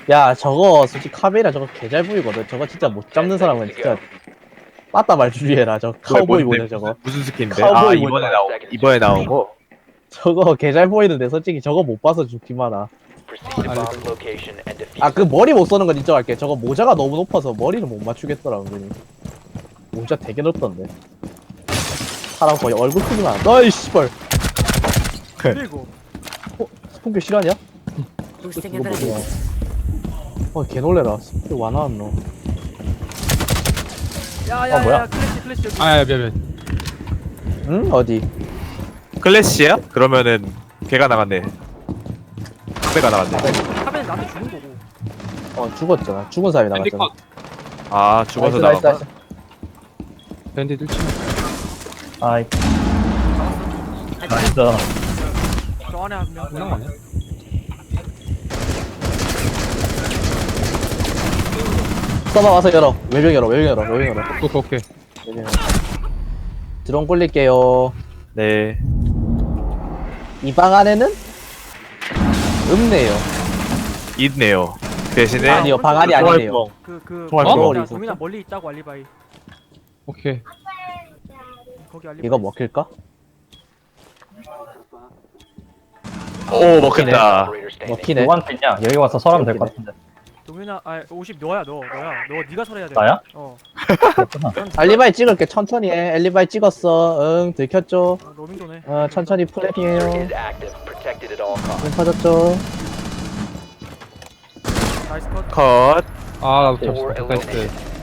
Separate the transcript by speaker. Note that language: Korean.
Speaker 1: 야 저거 솔직히 카메라 저거 개잘 보이거든. 저거 진짜 못 잡는 사람은 진짜 빠따 말 주의해라. 저 카우보이 모자 저거.
Speaker 2: 무슨 스킨인데?
Speaker 1: 카우보이
Speaker 2: 이번에 나온 거?
Speaker 1: 저거 개잘 보이는데 솔직히 저거 못 봐서 죽기만 하.
Speaker 3: Proceed to bomb location and defuse.
Speaker 1: 아 그 머리 못 쏘는 건 인정할게. 저거 모자가 너무 높아서 머리를 못 맞추겠더라 은근히. 모자 되게 높던데. 사람 거의 얼굴 크기만. 너이 씨발.
Speaker 4: 그리고
Speaker 1: 스폰교 실화냐?
Speaker 5: Boosting
Speaker 1: 이거 뭐야?
Speaker 5: abilities.
Speaker 1: 개 놀래라. 스폰교 와 나왔노.
Speaker 4: 야야야
Speaker 1: 뭐야?
Speaker 4: 클래시 여기.
Speaker 6: 아야 미안.
Speaker 1: 응? 어디?
Speaker 2: 클래시야? 그러면은 걔가 나갔네. 배가 나갔네.
Speaker 4: 카벤 나한테 주는 거고.
Speaker 1: 죽었잖아. 죽은 사람이 나갔잖아.
Speaker 6: 밴디컷.
Speaker 2: 아 죽어서
Speaker 1: 나이스,
Speaker 2: 나간 거?
Speaker 6: 밴디 1층.
Speaker 1: 아이. 나이스.
Speaker 4: 저 안에 한 명.
Speaker 6: 끝난 거 아니야?
Speaker 1: 서버 와서 열어. 외병 열어. 외병 열어. 외병 열어.
Speaker 6: 오케이.
Speaker 1: 외병 열어. 드론 굴릴게요.
Speaker 2: 네.
Speaker 1: 이 방 안에는 없네요.
Speaker 2: 있네요. 대신에
Speaker 1: 아니요, 방 안이 아니네요.
Speaker 4: 그
Speaker 2: 총알
Speaker 1: 뻥.
Speaker 4: 동민아 멀리 있다고 알리바이.
Speaker 6: 오케이.
Speaker 4: 거기 알리바이.
Speaker 1: 이거 먹힐까?
Speaker 2: 오 먹혔다.
Speaker 3: Operator standing.
Speaker 1: 먹히네.
Speaker 7: 누구한테 있냐? 여기 와서 설하면 될 것 같은데.
Speaker 4: 동민아, 아 50 너야 너 네가 설해야 돼.
Speaker 7: 나야?
Speaker 4: 어.
Speaker 1: 알리바이 찍을게. 천천히 해. 알리바이 찍었어. 응, 들켰죠?
Speaker 4: 로밍도네.
Speaker 1: 천천히
Speaker 3: Diffuser
Speaker 1: 플랩이에요.
Speaker 3: is active, protected at all costs.
Speaker 1: 눈 터졌죠?
Speaker 4: 나이스 컷.
Speaker 2: 컷.
Speaker 6: 아 나도
Speaker 3: Four
Speaker 6: 잡혔어. 나이스.
Speaker 3: eliminated.